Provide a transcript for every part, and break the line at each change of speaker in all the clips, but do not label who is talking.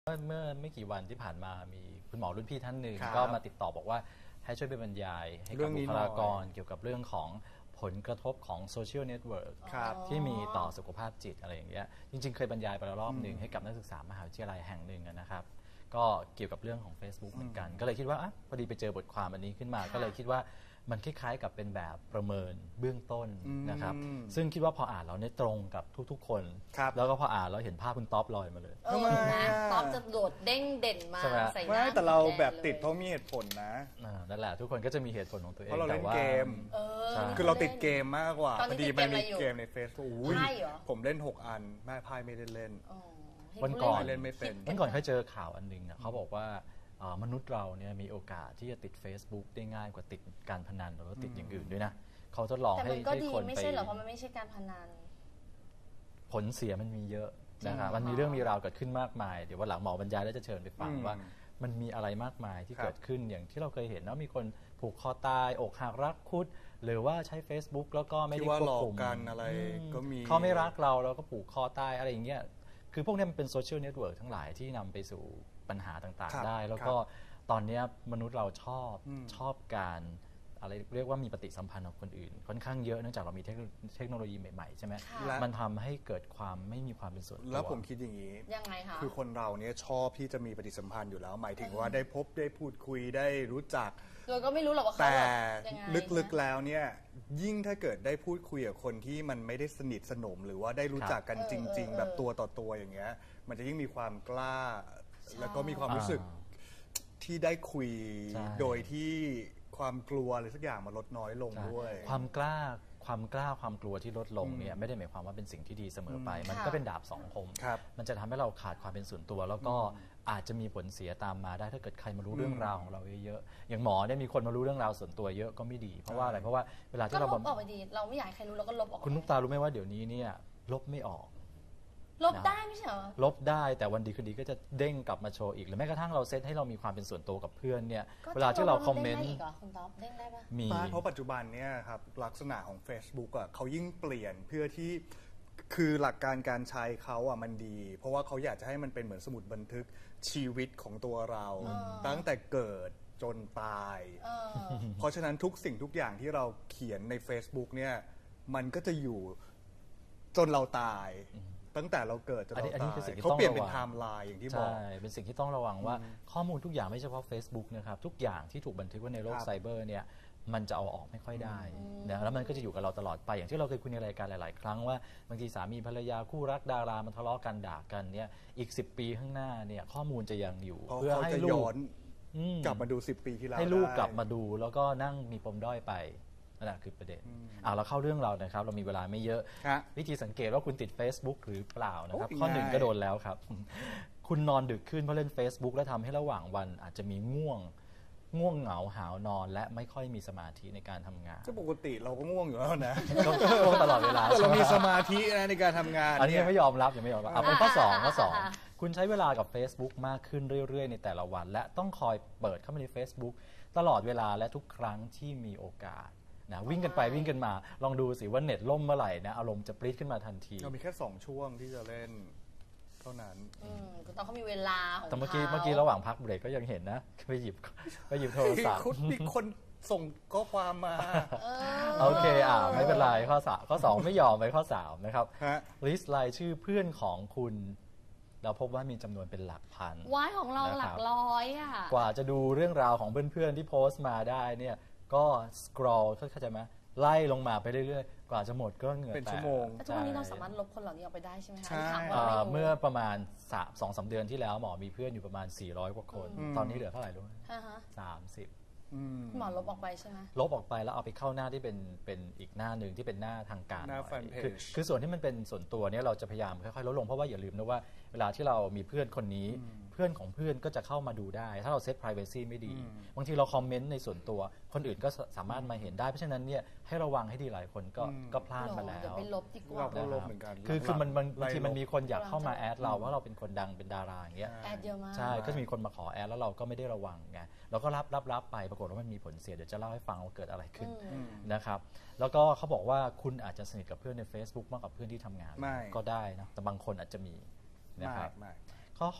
เมื่อไม่กี่วันที่ผ่านมามีคุณหมอรุ่นพี่ท่านหนึ่ง
ครับ
ก็มาติดต่อบอกว่าให้ช่วยไปบรรยายให้กับบุคลากรเกี่ยวกับเรื่องของผลกระทบของโซเชียลเน็ตเวิร์กที่มีต่อสุขภาพจิตอะไรอย่างเงี้ยจริงๆเคยบรรยายไปแล้วรอบหนึ่งให้กับนักศึกษามหาวิทยาลัยแห่งหนึ่งนะครับก็เกี่ยวกับเรื่องของ Facebook เหมือนกันก็เลยคิดว่าพอดีไปเจอบทความอันนี้ขึ้นมาก็เลยคิดว่ามันคล้ายๆกับเป็นแบบประเมินเบื้องต้นนะครับซึ่งคิดว่าพออ่านแล้วเนี่ยตรงกับทุกๆคนแล้วก็พออ่านแล้วเห็นภาพคุณท็อปลอยมาเลย
นะท็อปจะโดดเด้งเด่นมาใส่หน้า
แต่เราแบบติดเพราะมีเหตุผลนะ
นั่นแหละทุกคนก็จะมีเหตุผลของตัวเอง
เพราะเราเล่นเกมคือเราติดเกมมากกว่าพอดีมันมีเกมใน Facebook ผมเล่น6 อันแม่พายไม่ได้เล่น
วันก่อน
เล่นไม่เป็น
วันก่อนเคยเจอข่าวอันนึงเขาบอกว่ามนุษย์เราเนี่ยมีโอกาสที่จะติด Facebook ได้ง่ายกว่าติดการพนันหรือว่าติดอย่างอื่นด้วยนะเขาทดลองให้คนไปแต่มันก็ดี
ไม่ใช่หรอเพราะมันไม่ใช่การพนัน
ผลเสียมันมีเยอะนะครับมันมีเรื่องมีราวเกิดขึ้นมากมายเดี๋ยววันหลังหมอบรรยายแล้วจะเชิญไปฟังว่ามันมีอะไรมากมายที่เกิดขึ้นอย่างที่เราเคยเห็นนะมีคนผูกคอตายอกหักรักคุดหรือว่าใช้ Facebook แล้วก็ไม่ได้ควบคุม
กันอะไรก็มี
เขาไม่รักเราแล้วก็ผูกคอตายอะไรอย่างเงี้ยคือพวกนี้มันเป็นโซเชียลเน็ตเวิร์กทั้งหลายที่นำไปสู่ปัญหาต่างๆได้แล้วก็ตอนนี้มนุษย์เราชอบการอะไรเรียกว่ามีปฏิสัมพันธ์กับคนอื่นค่อนข้างเยอะเนื่องจากเรามีเทคโนโลยีใหม่ๆใช่ไหมมันทำให้เกิดความไม่มีความเป็นส่วนตัว
แล้วผมคิดอย่างนี้
ยังไงคะ
คือคนเราเนี่ยชอบที่จะมีปฏิสัมพันธ์อยู่แล้วหมายถึงว่าได้พบได้พูดคุยได้รู้จัก
โดยก็ไม่รู้หรอกว่าเขา
แต่ลึกๆแล้วเนี่ยยิ่งถ้าเกิดได้พูดคุยกับคนที่มันไม่ได้สนิทสนมหรือว่าได้รู้จักกันจริงๆแบบตัวต่อตัวอย่างเงี้ยมันจะยิ่งมีความกล้าแล้วก็มีความรู้สึกที่ได้คุยโดยที่ความกลัวอะไรสักอย่างมันลดน้อยลงด้วย
ความกล้าความกลัวที่ลดลงเนี่ยไม่ได้หมายความว่าเป็นสิ่งที่ดีเสมอไปมันก็เป็นดาบสองคมมันจะทำให้เราขาดความเป็นส่วนตัวแล้วก็อาจจะมีผลเสียตามมาได้ถ้าเกิดใครมารู้เรื่องราวของเราเยอะๆอย่างหมอเนี่ยมีคนมารู้เรื่องราวส่วนตัวเยอะก็ไม่ดีเพราะว่าอะไรเพราะว่าเวลาที่เรา
ลบออกไปดีเราไม่อยากให้ใครรู้เราก็ลบออก
คุณนุ๊กตารู้ไหมว่าเดี๋ยวนี้เนี่ยลบไม่ออก
ลบได้ไม่ใช่เหรอ
ลบได้แต่วันดีคืนดีก็จะเด้งกลับมาโชว์อีกหรือแม้กระทั่งเราเซตให้เรามีความเป็นส่วนตัวกับเพื่อนเนี่ยเวลาที่เราคอมเมนต์
คุณท็อปเด้งได้ปะ
มี
เพราะปัจจุบันเนี่ยครับลักษณะของ Facebook อ่ะเขายิ่งเปลี่ยนเพื่อที่คือหลักการการใช้เขาอ่ะมันดีเพราะว่าเขาอยากจะให้มันเป็นเหมือนสมุดบันทึกชีวิตของตัวเราตั้งแต่เกิดจนตายเพราะฉะนั้นทุกสิ่งทุกอย่างที่เราเขียนใน Facebook เนี่ยมันก็จะอยู่จนเราตายตั้งแต่เราเกิดจนเราตายเขาเปลี่ยนเป็นไทม์ไลน์อย่างที่บอก
ใช่เป็นสิ่งที่ต้องระวังว่าข้อมูลทุกอย่างไม่เฉพาะ Facebook นะครับทุกอย่างที่ถูกบันทึกไว้ในโลกไซเบอร์เนี่ยมันจะเอาออกไม่ค่อยได้นะแล้วมันก็จะอยู่กับเราตลอดไปอย่างที่เราเคยคุยในรายการหลายๆครั้งว่าบางทีสามีภรรยาคู่รักดารามันทะเลาะกันด่ากันเนี่ยอีก10 ปีข้างหน้าเนี่ยข้อมูลจะยังอยู่
เพื่อให้ลูกกลับมาดู10 ปีที่แล้ว
ให้ลูกกลับมาดูแล้วก็นั่งมีปมด้อยไปนั่นแหละคือประเด็นเราเข้าเรื่องเรานะครับเรามีเวลาไม่เยอะวิธีสังเกตว่าคุณติด Facebook หรือเปล่านะครับข้อหนึ่งก็โดนแล้วครับคุณนอนดึกขึ้นเพราะเล่น Facebook แล้วทำให้ระหว่างวันอาจจะมีง่วงเหงาหาวนอนและไม่ค่อยมีสมาธิในการทำงาน
ปกติเราก็ง่วงอยู่แล้วนะ
ง่วงตลอดเวลา
เรามีสมาธินะในการทำงาน
อันนี้ยังไม่ยอมรับเป็นข้อ2คุณใช้เวลากับ Facebook มากขึ้นเรื่อยๆในแต่ละวันและต้องคอยเปิดเข้ามาใน Facebook ตลอดเวลาและทุกครั้งที่มีโอกาสนะวิ่งกันไปวิ่งกันมาลองดูสิว่าเน็ตล่มเมื่อไหร่นะอารมณ์จะปรี๊ดขึ้นมาทันที
เรามีแค่2 ช่วงที่จะเล่นเท่านั้น
คุณต้องเขามีเวลาของ
แต่เมื่อกี้ระหว่างพักเบรกก็ยังเห็นนะไปหยิบโทรศัพท์
มีคนส่งข้อความมา
โอเคไม่เป็นไรข้อ2ไม่ยอมไปข้อ3นะครับลิสต์รายชื่อเพื่อนของคุณเราพบว่ามีจำนวนเป็นหลักพัน
ว้ายของเราหลักร้อย
กว่าจะดูเรื่องราวของเพื่อนๆที่โพสต์มาได้เนี่ยก็สครอลเข้าใจไหมไล่ลงมาไปเรื่อยๆกว่าจะหมดก็เหงื่อแตก
เป็นชั่วโมง
แต่ทุกวันนี้เราสามารถลบคนเหล่านี้ออกไปได้ใช่ไหมคะ
ใช่
เมื่อประมาณ 2-3 เดือนที่แล้วหมอมีเพื่อนอยู่ประมาณ400 กว่าคนตอนนี้เหลือเท่าไหร่รู้ไหม30
หมอลบออกไปใช่ไหม
ลบออกไปแล้วเอาไปเข้าหน้าที่เป็นอีกหน้าหนึ่งที่เป็นหน้าทางการ
หน้าแฟนเพจ
คือส่วนที่มันเป็นส่วนตัวเนี่ยเราจะพยายามค่อยๆลดลงเพราะว่าอย่าลืมนะว่าเวลาที่เรามีเพื่อนคนนี้เพื่อนของเพื่อนก็จะเข้ามาดูได้ถ้าเราเซต privacy ไม่ดีบางทีเราคอมเมนต์ในส่วนตัวคนอื่นก็สามารถมาเห็นได้เพราะฉะนั้นเนี่ยให้ระวังให้ดีหลายคนก็พลาดมาแล้ว
เดี๋ยวไปลบดีกว่า
เราลบเหมือนกัน
คือมันบางทีมันมีคนอยากเข้ามาแอดเราว่าเราเป็นคนดังเป็นดาราอย่างเงี้ย
แอดเยอะมาก
ใช่ก็มีคนมาขอแอดแล้วเราก็ไม่ได้ระวังไงเราก็รับไปปรากฏว่ามันมีผลเสียเดี๋ยวจะเล่าให้ฟังว่าเกิดอะไรขึ้นนะครับแล้วก็เขาบอกว่าคุณอาจจะสนิทกับเพื่อนใน Facebook มากกว่าเพื่อนที่ทำงานก็ได้นะแต่บางคนอาจจะมีนะครับ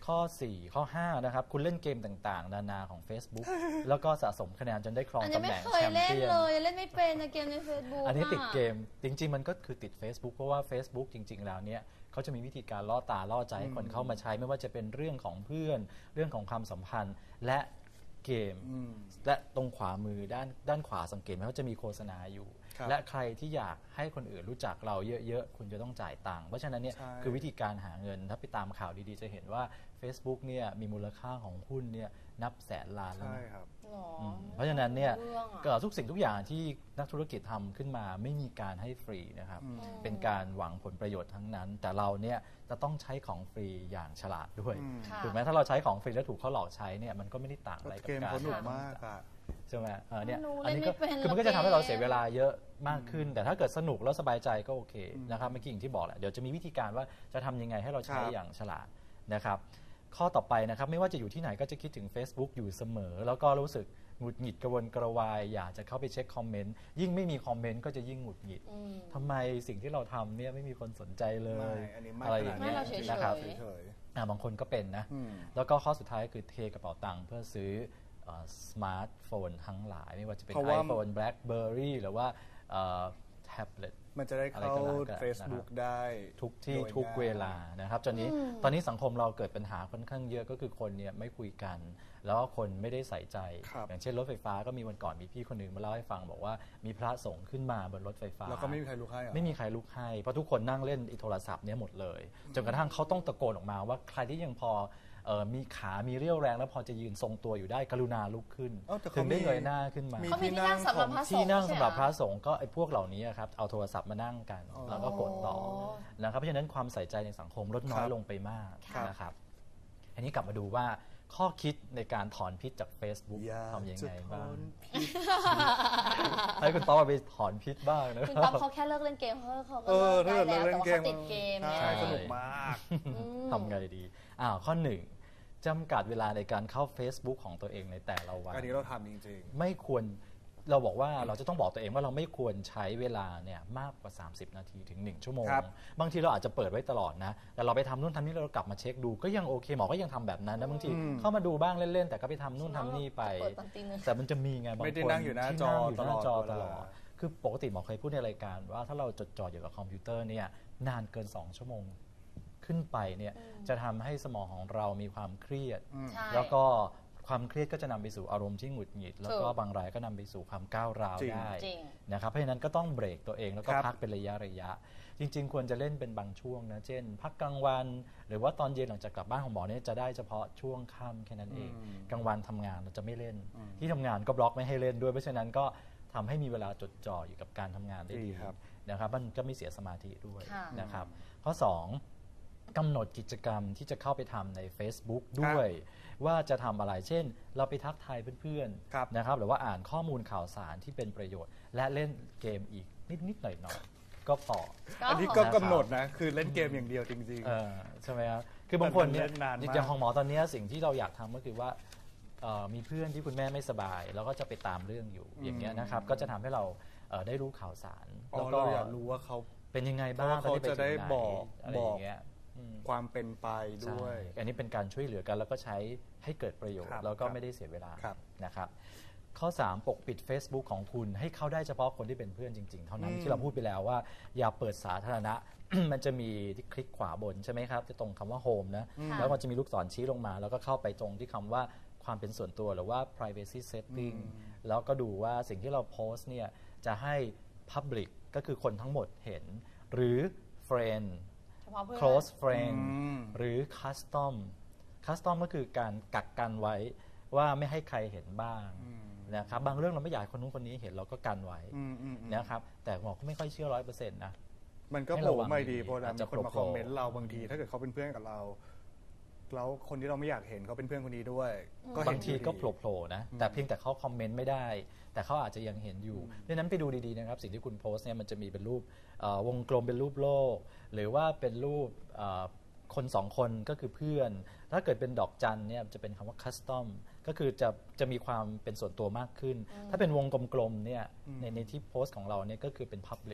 ข้อ 4 ข้อ 5 นะครับ คุณเล่นเกมต่างๆ นานาของ Facebook แล้วก็สะสมคะแนนจนได้ครอง
อัน
ตำ
นี้
แห
ไม่
น่ง
เค
แช
ย
ม
เล่น
เปี้ยน
เลยเล่นไม่เป็นในเกมใน Facebook
อันนี้ติดเกมจริงๆมันก็คือติด Facebook เพราะว่า Facebook จริงๆแล้วเนี่ยเขาจะมีวิธีการล่อตาล่อใจให้คนเข้ามาใช้ไม่ว่าจะเป็นเรื่องของเพื่อนเรื่องของความสัมพันธ์และเกมและตรงขวามือด้านขวาสังเกตไหมว่าจะมีโฆษณาอยู่ และใครที่อยากให้คนอื่นรู้จักเราเยอะๆคุณจะต้องจ่ายตังค์เพราะฉะนั้นเนี่ยคือวิธีการหาเงินถ้าไปตามข่าวดีๆจะเห็นว่า Facebook เนี่ยมีมูลค่าของหุ้นเนี่ยนับแสนล้านแล้วนะ เพราะฉะนั้นเนี่ยทุกสิ่งทุกอย่างที่นักธุรกิจทำขึ้นมาไม่มีการให้ฟรีนะครับเป็นการหวังผลประโยชน์ทั้งนั้นแต่เราเนี่ยจะต้องใช้ของฟรีอย่างฉลาดด้วยถูกไหมถ้าเราใช้ของฟรีแล้วถูกเขาหลอกใช้เนี่ยมันก็ไม่ได้ต่างอะไรกับการ
สนุกมากอะ
ใช่ไหมเนี่ยอันนี้ก็คือมันก็จะทำให้เราเสียเวลาเยอะมากขึ้นแต่ถ้าเกิดสนุกแล้วสบายใจก็โอเคนะครับเมื่อกี้อย่างที่บอกแหละเดี๋ยวจะมีวิธีการว่าจะทำยังไงให้เราใช้อย่างฉลาดนะครับข้อต่อไปนะครับไม่ว่าจะอยู่ที่ไหนก็จะคิดถึง Facebook อยู่เสมอแล้วก็รู้สึกหงุดหงิดกระวนกระวายอยากจะเข้าไปเช็คคอมเมนต์ยิ่งไม่มีคอมเมนต์ก็จะยิ่งหงุดหงิดทำไมสิ่งที่เราทำเนี่ยไม่มีคนสนใจเลยอะไรอย่างเงี้ยนะครับบางคนก็เป็นนะแล้วก็ข้อสุดท้ายก็คือเทกระเป๋าตังค์เพื่อซื้อสมาร์ทโฟนทั้งหลายไม่ว่าจะเป็น iPhone BlackBerry หรือว่าแท็บเล็ต
มันจะได้เข้า Facebook ได้
ทุกที่ทุกเวลานะครับตอนนี้สังคมเราเกิดปัญหาค่อนข้างเยอะก็คือคนเนี่ยไม่คุยกันแล้วคนไม่ได้ใส่ใจอย่างเช่นรถไฟฟ้าก็มีวันก่อนมีพี่คนหนึ่งมาเล่าให้ฟังบอกว่ามีพระสงฆ์ขึ้นมาบนรถไฟฟ้า
แล้วก็ไม่มีใครลุกให้
ไม่มีใครลุกให้เพราะทุกคนนั่งเล่นโทรศัพท์เนี่ยหมดเลยจนกระทั่งเขาต้องตะโกนออกมาว่าใครที่ยังพอมีขามีเรี่ยวแรงแล้วพอจะยืนทรงตัวอยู่ได้กรุณาลุกขึ้นถึงได้เงยหน้าขึ้นมา
เขามีที่นั่งสำหรับพระสงฆ์
ที่นั่งสำหรับพระสงฆ์ก็ไอ้พวกเหล่านี้ครับเอาโทรศัพท์มานั่งกันแล้วก็กดต่อนะครับเพราะฉะนั้นความใส่ใจในสังคมลดน้อยลงไปมากนะครับอันนี้กลับมาดูว่าข้อคิดในการถอนพิษจาก Facebook ทำยังไงบ้างให้คุณต๊อบไปถอนพิษบ้างนะ
คุณต๊อบเขาแค่เลิกเล่นเกมเขาก็เลิกได้แล้วแต่ว่าเขาติดเกม
ใช่สนุกมาก
ทำไงดีข้อ 1จำกัดเวลาในการเข้า Facebook ของตัวเองในแต่ละวัน
อันนี้เราทำจริง
ๆไม่ควรเราบอกว่าเราจะต้องบอกตัวเองว่าเราไม่ควรใช้เวลาเนี่ยมากกว่า30นาทีถึง1ชั่วโมงบางทีเราอาจจะเปิดไว้ตลอดนะแต่เราไปทำนู่นทำนี่เรากลับมาเช็คดูก็ยังโอเคหมอก็ยังทำแบบนั้นนะบางทีเข้ามาดูบ้างเล่นๆแต่ก็ไปทำนู่นทำนี่ไปแต่มันจะมีไงบางคนที่นั่งอยู่หน้าจอตลอดคือปกติหมอเคยพูดในรายการว่าถ้าเราจดจ่ออยู่กับคอมพิวเตอร์เนี่ยนานเกิน2ชั่วโมงขึ้นไปเนี่ยจะทำให้สมองของเรามีความเครียดแล้วก็ความเครียดก็จะนำไปสู่อารมณ์ที่หงุดหงิดแล้วก็บางรายก็นำไปสู่ความก้าวร้าวได้นะครับเพราะฉะนั้นก็ต้องเบรกตัวเองแล้วก็พักเป็นระยะจริงๆควรจะเล่นเป็นบางช่วงนะเช่นพักกลางวันหรือว่าตอนเย็นหลังจากกลับบ้านของหมอเนี่ยจะได้เฉพาะช่วงค่ำแค่นั้นเองกลางวันทำงานเราจะไม่เล่นที่ทำงานก็บล็อกไม่ให้เล่นด้วยเพราะฉะนั้นก็ทำให้มีเวลาจดจ่ออยู่กับการทำงานได้ดีนะครับมันก็ไม่เสียสมาธิด้วยนะครับข้อ 2กำหนดกิจกรรมที่จะเข้าไปทำใน Facebook ด้วยว่าจะทำอะไรเช่นเราไปทักทายเพื่อนๆนะครับหรือว่าอ่านข้อมูลข่าวสารที่เป็นประโยชน์และเล่นเกมอีกนิดๆหน่อยๆก็พอ
อันนี้ก็กำหนดนะคือเล่นเกมอย่างเดียวจริง
ๆใช่ไหมครับคือบางคนเนี่ยอย่างของหมอตอนนี้สิ่งที่เราอยากทำก็คือว่ามีเพื่อนที่คุณแม่ไม่สบายแล้วก็จะไปตามเรื่องอยู่อย่างเงี้ยนะครับก็จะทำให้เราได้รู้ข่าวสาร
แล้วก็อยากรู้ว่าเขา
เป็นยังไงบ้าง
เขาจะได้บอกความเป็นไปด้วย
อันนี้เป็นการช่วยเหลือกันแล้วก็ใช้ให้เกิดประโยชน์แล้วก็ไม่ได้เสียเวลานะครับข้อ 3ปกปิด Facebook ของคุณให้เข้าได้เฉพาะคนที่เป็นเพื่อนจริงๆเท่านั้นที่เราพูดไปแล้วว่าอย่าเปิดสาธารณะ มันจะมีที่คลิกขวาบนใช่ไหมครับจะตรงคำว่า Home นะแล้วมันจะมีลูกศรชี้ลงมาแล้วก็เข้าไปตรงที่คำว่าความเป็นส่วนตัวหรือว่า privacy setting แล้วก็ดูว่าสิ่งที่เราโพสต์เนี่ยจะให้ public ก็คือคนทั้งหมดเห็นหรือ friend close friend หรือ custom ก็คือการกักกันไว้ว่าไม่ให้ใครเห็นบ้างนะครับบางเรื่องเราไม่อยากคนนู้นคนนี้เห็นเราก็กันไว้นะครับแต่หมอก็ไม่ค่อยเชื่อ 100% นะ
มันก็โผล่ไม่ดีเพราะมีคนมาคอมเมนต์เราบางทีถ้าเกิดเขาเป็นเพื่อนกับเราแล้วคนที่เราไม่อยากเห็นเขาเป็นเพื่อนคนนี้ด้วย
บางทีก็โผล่นะแต่เพียงแต่เขาคอมเมนต์ไม่ได้แต่เขาอาจจะยังเห็นอยู่ดังนั้นไปดูดีๆนะครับสิ่งที่คุณโพสต์เนี่ยมันจะมีเป็นรูปวงกลมเป็นรูปโลกหรือว่าเป็นรูปคน2คนก็คือเพื่อนถ้าเกิดเป็นดอกจันเนี่ยจะเป็นคำว่า custom ก็คือจะมีความเป็นส่วนตัวมากขึ้นถ้าเป็นวงกลมๆเนี่ยในที่โพสต์ของเราเนี่ยก็คือเป็น public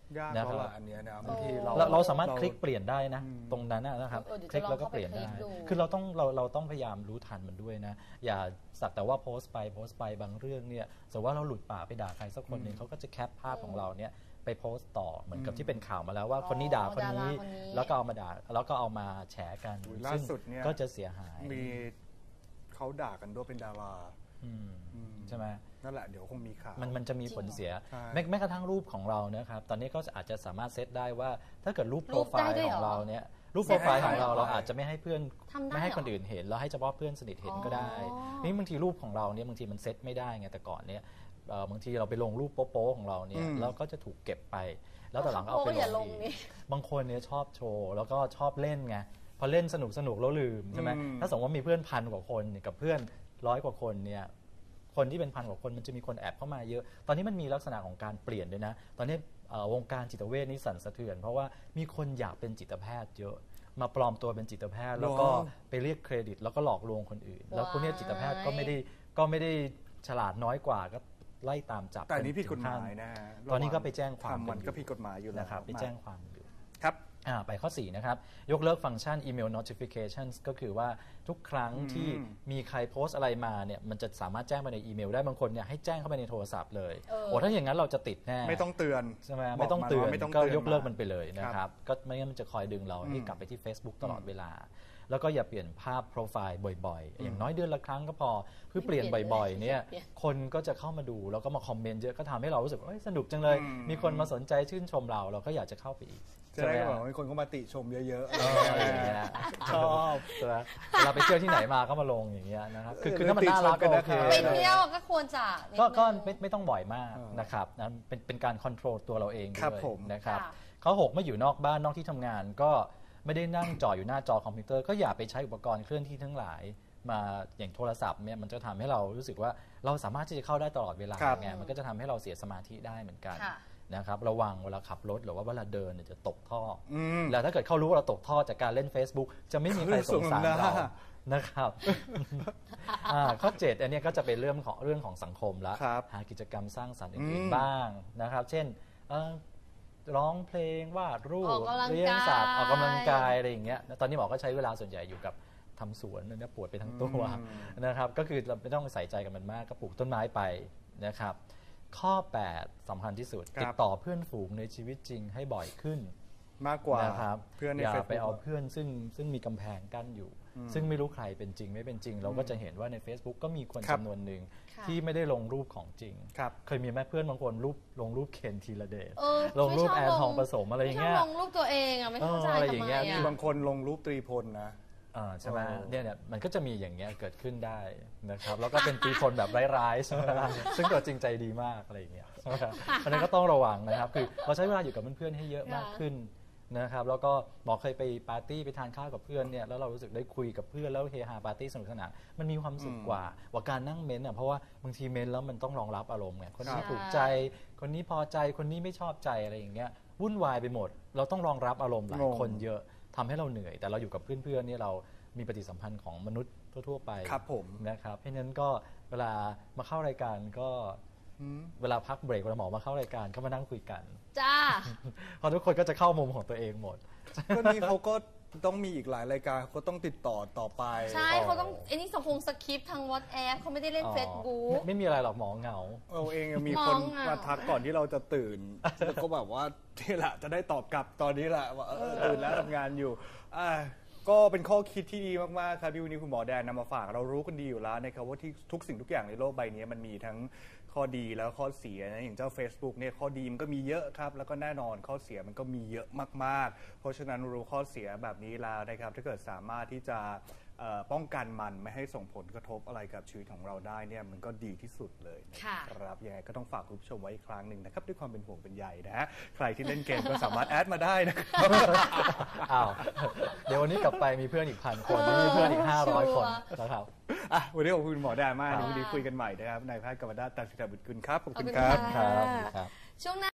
ยาก
นะ
เพ
ครับ
ราะอันเนี้ยนะบางที
เราสามารถคลิกเปลี่ยนได้นะตรงนั้นนะครับ
เดี๋ยว
คลิกแล้วก็เปลี่ยนได้
จะลองเข้าไปคลิกดู
คือเราต้องพยายามรู้ทันมันด้วยนะอย่าสักแต่ว่าโพสต์ไปบางเรื่องเนี่ยสมมติว่าเราหลุดปากไปด่าใครสักคนหนึ่งเขาก็จะแคปภาพของเราเนี่ยไปโพสต์ต่อเหมือนกับที่เป็นข่าวมาแล้วว่าคนนี้ด่าคนนี้
ดาราคนนี้
แล้วก็เอามาด่าแล้วก็เอามาแฉกัน
ล่า
ซึ่ง
สุดเนี่ย
ก็จะเสียหาย
มีเขาด่ากันด้วยเป็นดารา
ใช่ไหม
นั่นแหละเดี๋ยวคงมีข่าว
มันจะมีผลเสีย
ใช่
แม้กระทั่งรูปของเรานะครับตอนนี้ก็อาจจะสามารถเซตได้ว่าถ้าเกิดรูปโปรไฟ
รูปได้
ล์
ด้วย
ข
เหรอ
องเราเนี่ยรูปโปรไฟล์ของเรา
ได้
เราอาจจะไม่ให้เพื่อน
ทำได้
ไม่ให้
เหรอ
คนอื่นเห็นเราให้เฉพาะเพื่อนสนิทเห็นก็ได้
อ๋อ
นี่บางทีรูปของเราเนี่ยบางทีมันเซตไม่ได้ไงแต่ก่อนเนี่ยบางทีเราไปลงรูปโป๊ะๆของเราเนี่ยแล้วก็จะถูกเก็บไป แล้วแต่หลังก็เอาไป
โป๊ะอย่า
ล
ล
ง
ง
อี
นี่
กบางคนเนี่ยชอบโชว์แล้วก็ชอบเล่นไงพอเล่นสนุกแล้วลืมใช่ไหมถ้าสมมติว่ามีเพื่อนพันกว่าคนกับเพื่อน100 กว่าคนเนี่ยคนที่เป็นพันกว่าคนมันจะมีคนแอบเข้ามาเยอะ ตอนนี้มันมีลักษณะของการเปลี่ยนด้วยนะ ตอนนี้วงการจิตเวชนี่สั่นสะเทือน เพราะว่ามีคนอยากเป็นจิตแพทย์เยอะมาปลอมตัวเป็นจิตแพทย์ แล้วก็ไปเรียกเครดิต แล้วก็หลอกลวงคนอื่น แล้วพวกนี้จิตแพทย์ก็ไม่ได้ฉลาดน้อยกว่าก็ไล่ตามจับ
แต่อันนี้ผิดกฎหมายนะฮะ
ตอนนี้ก็ไปแจ้งความ
ทำมันก็ผิดกฎหมายอยู่แล้ว
นะครับไปแจ้งความอยู่
ครับ
ไปข้อ 4 นะครับ ยกเลิกฟังก์ชัน email notifications ก็คือว่าทุกครั้งที่มีใครโพสต์อะไรมาเนี่ยมันจะสามารถแจ้งไปในอีเมลได้บางคนเนี่ยให้แจ้งเข้าไปในโทรศัพท์เลยโอ้ถ้าอย่างนั้นเราจะติดแน่
ไม่ต้องเตือน
ใช่ไหม
บ
ไม่ต้องเตือน
ไม่ต้อง
ก็
เตือน
ยกเลิกมันไปเลยนะค
ครั
รับบ ก็ไม่งั้นมันจะคอยดึงเราให้กลับไปที่ Facebook ตลอดเวลา แล้วก็อย่าเปลี่ยนภาพโปรไฟล์บ่อยๆ อย่างน้อยเดือนละครั้งก็พอคือเปลี่ยนบ่อยๆเนี่ยคนก็จะเข้ามาดูแล้วก็มาคอมเมนต์เยอะก็ทำให้เรารู้สึกว่าสนุกจังเลยมีคนมาสนใจชื่นชมเราก็อยากจะเข้าไปอีก
จะได้แบบมีคนเข้ามาติชมเยอะ
อะไรอย่างเงี้ยชอบเวลาไปเที่ยวที่ไหนมาก็มาลงอย่างเงี้ยนะครับคือถ้ามันน่ารักก็โอเค
ไปเที่ยวก็ควรจะนิดนึง
ก็ไม่ต้องบ่อยมากนะครับนะเป็นการคอนโทรลตัวเราเองด้วยนะครับ
ค่ะ
ข้อ 6 ไม่อยู่นอกบ้านนอกที่ทำงานก็ไม่ได้นั่งจ่ออยู่หน้าจอคอมพิวเตอร์ก็อย่าไปใช้อุปกรณ์เคลื่อนที่ทั้งหลายมาอย่างโทรศัพท์เนี่ยมันจะทำให้เรารู้สึกว่าเราสามารถที่จะเข้าได้ตลอดเวลาไงมันก็จะทำให้เราเสียสมาธิได้เหมือนกัน
ค่ะ
นะครับระวังเวลาขับรถหรือว่าเวลาเดินเนี่ยจะตกท่ออแล้วถ้าเกิดเขารู้ว่าเราตกท่อจากการเล่น Facebook จะไม่มีใครสงสารเรานะครับข้อ 7 อันนี้ก็จะเป็นเรื่องของสังคมละหากิจกรรมสร้างสรรค์อื่นๆบ้างนะครับเช่นร้องเพลงวาดรูปเลี้ยงสัตว์ออกกำลังกายอะไรอย่างเงี้ยตอนนี้หมอก็ใช้เวลาส่วนใหญ่อยู่กับทำสวนเนี่ยปวดไปทั้งตัวนะครับก็คือเราไม่ต้องใส่ใจกับมันมากก็ปลูกต้นไม้ไปนะครับข้อ 8 สำคัญที่สุดติดต่อเพื่อนฝูงในชีวิตจริงให้บ่อยขึ้น
มากกว่า
นะครับ
เพื่อนใน
อย่า
Facebook
ไปเอาเพื่อนซึ่งมีกำแพงกั้นอยู่ ซึ่งไม่รู้ใครเป็นจริงไม่เป็นจริง เราก็จะเห็นว่าใน Facebook ก็มีคนจำนวนหนึ่งที่ไม่ได้ลงรูปของจริงเคยมีแม่เพื่อนบางคนลงรูปเคนธีรเดชลงรูปแอนทองผสมอะไรอย่างเงี้ย
ไม่ชอบลงรูปตัวเองไม่เข้าใจ
อะไร
ทำ
อย่าง
ไม
เงี้ย
มีบางคนลงรูปตรีพลนะ
ใช่ไหมเนี่ยมันก็จะมีอย่างเงี้ยเกิดขึ้นได้นะครับแล้วก็เป็นตีพลแบบร้ายๆใช่ไหมซึ่งตัวจริงใจดีมากอะไรอย่างเงี้ยอันนี้ก็ต้องระวังนะครับคือเราใช้เวลาอยู่กับเพื่อนๆให้เยอะมากขึ้นนะครับแล้วก็หมอเคยไปปาร์ตี้ไปทานข้าวกับเพื่อนเนี่ยแล้วเรารู้สึกได้คุยกับเพื่อนแล้วเฮฮาปาร์ตี้สนุกสนานมันมีความสุขกว่าการนั่งเม้นเพราะว่าบางทีเม้นแล้วมันต้องรองรับอารมณ์ไงคนนี้ถูกใจคนนี้พอใจคนนี้ไม่ชอบใจอะไรอย่างเงี้ยวุ่นวายไปหมดเราต้องรองรับอารมณ์หลายคนเยอะทำให้เราเหนื่อยแต่เราอยู่กับเพื่อนๆเนี่ยเรามีปฏิสัมพันธ์ของมนุษย์ทั่วๆไปนะครับเพราะฉะนั้นก็เวลามาเข้ารายการก็เวลาพักเบรกเวลาหมอมาเข้ารายการก็มานั่งคุยกัน
จ้า
เพราะทุกคนก็จะเข้ามุมของตัวเองหมด
ก็นี่เขาก็ต้องมีอีกหลายรายการเขาต้องติดต่อไป
ใช่เขาต้องไอ้นี่สังคมสคริปต์ทาง WhatsApp เขาไม่ได้เล่น Facebook
ไม่มีอะไรหรอกหมอเหงา
เราเองมีคนมาทักก่อนที่เราจะตื่นแล้วก็แบบว่าที่แหละจะได้ตอบกลับตอนนี้แหละว่าตื่นแล้วทำงานอยู่ก็เป็นข้อคิดที่ดีมากๆครับที่วันนี้คุณหมอแดนนำมาฝากเรารู้กันดีอยู่แล้วนะครับว่าที่ทุกสิ่งทุกอย่างในโลกใบนี้มันมีทั้งข้อดีแล้วข้อเสียนะอย่างเจ้า Facebook เนี่ยข้อดีมันก็มีเยอะครับแล้วก็แน่นอนข้อเสียมันก็มีเยอะมากๆเพราะฉะนั้นรู้ข้อเสียแบบนี้แล้วนะครับถ้าเกิดสามารถที่จะป้องกันมันไม่ให้ส่งผลกระทบอะไรกับชีวิตของเราได้เนี่ยมันก็ดีที่สุดเลยนะครับยังไงก็ต้องฝากคุณผู้ชมไว้อีกครั้งหนึ่งนะครับด้วยความเป็นห่วงเป็นใยนะฮะใครที่เล่นเกมก็สามารถแอดมาได้นะครับ
เดี๋ยววันนี้กลับไปมีเพื่อนอีก1,000 คนมีเพื่อนอีก500 คนนะครับ
วันนี้ขอบคุณหมอแดนมากวันนี้คุยกันใหม่นะครับนายแพทย์กฤษณัฐ ตันสิทธบุตรกุลครับขอบคุณครั
บช่วงหน้า